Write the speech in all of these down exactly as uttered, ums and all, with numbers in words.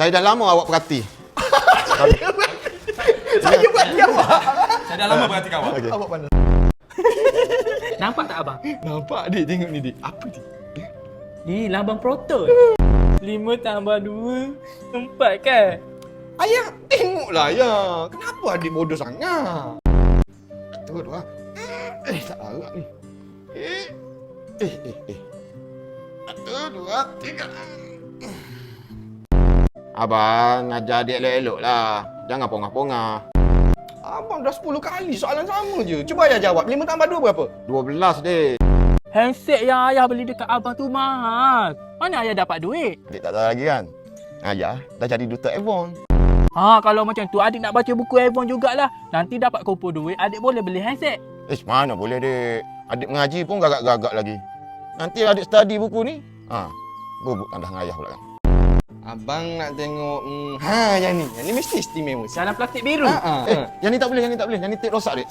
Saya dah lama awak perhati. Saya perhati awak. Saya dah lama perhati awak. Okey. Awak mana? Nampak tak abang? Nampak dik, tengok ni dik. Apa dik? Ni lambang proton. Lima tambah dua, empat kan? Ayah, tengoklah ayah. Kenapa adik bodoh sangat? Satu, dua. Eh, tak larat ni. Eh, eh, eh, eh. Satu, dua, tiga. Abang, ajar adik elok-elok lah. Jangan pongah-pongah. Abang dah sepuluh kali soalan sama je. Cuba ayah jawab. Lima tambah dua berapa? dua belas dek. Handset yang ayah beli dekat abang tu mahal. Mana ayah dapat duit? Adik tak tahu lagi kan? Ayah dah jadi duta iPhone. Ha, kalau macam tu adik nak baca buku Avon jugalah. Nanti dapat kumpul duit, adik boleh beli handset. Eh, mana boleh dek. Adik mengaji pun gagak-gagak lagi. Nanti adik study buku ni, ha, bubuk tandas dengan ayah pula kan. Abang nak tengok, hmm, ha yang ni. Yang ni mesti istimewa. Dalam plastik biru. Ha, ha, Eh, ha. yang ni tak boleh, yang ni tak boleh. Yang ni tip rosak dek.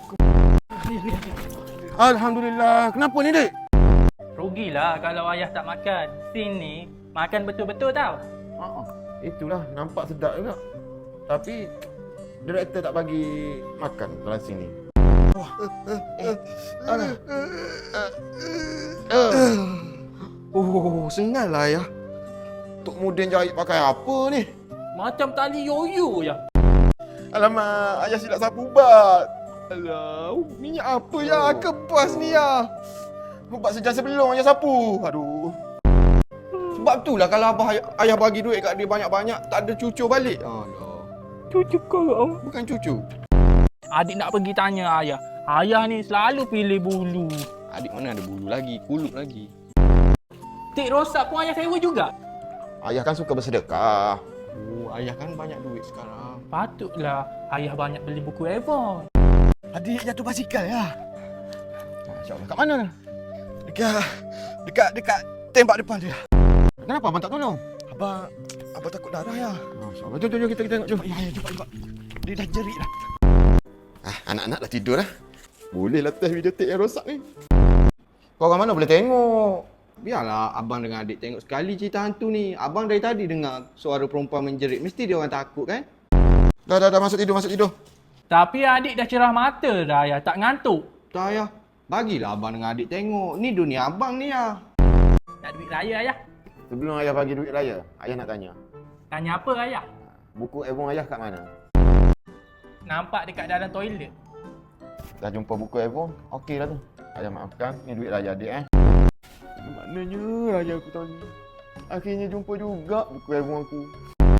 Alhamdulillah. Kenapa ni dek? Rugilah kalau ayah tak makan. Sini makan betul-betul tau. Ha, itulah nampak sedap juga. Tapi director tak bagi makan dalam sini. Oh, sengal lah ayah. Tok Mudin jahit pakai apa ni? Macam tali yoyo je. Alamak, ayah silap sapu ubat. Alah, minyak apa ya? Kebas ni ya. Ubat sejam sebelum ayah sapu. Aduh. Sebab tu lah kalau abah ayah, ayah bagi duit kat dia banyak-banyak, tak ada cucu balik. Alah, Cucu kau. bukan cucu. Adik nak pergi tanya ayah. Ayah ni selalu pilih bulu. Adik mana ada bulu lagi, kulut lagi. Tik rosak pun ayah sewa juga. Ayah kan suka bersedekah. Oh, ayah kan banyak duit sekarang. Patutlah ayah banyak beli buku Avon. Adik jatuh basikal ya? InsyaAllah. Kat mana? Dekat, dekat, dekat tembak depan dia. Kenapa abang tak tolong? Abang, abang takut darah ya? Masya-Allah. Jom, jom, jom kita, kita tengok. Jom. Ya, ya, cepat, cepat. Dia dah jerit dah. Ah, anak-anak dah tidur dah. Bolehlah test videotape yang rosak ni. Kau orang mana boleh tengok? Biarlah abang dengan adik tengok sekali cerita hantu ni. Abang dari tadi dengar suara perempuan menjerit. Mesti dia orang takut kan? Dah, dah, dah. Masuk tidur, masuk tidur. Tapi adik dah cerah mata dah ayah. Tak ngantuk. Tak ayah. Bagilah abang dengan adik tengok. Ni dunia abang ni ya. Nak duit raya ayah. Sebelum ayah bagi duit raya, ayah nak tanya. Tanya apa ayah? Buku Avon ayah kat mana? Nampak dekat dalam toilet. Dah jumpa buku Avon? Okey lah tu. Ayah maafkan, ni duit raya adik eh. Maknanya raya aku tahun ni. Akhirnya jumpa juga buku Avon aku.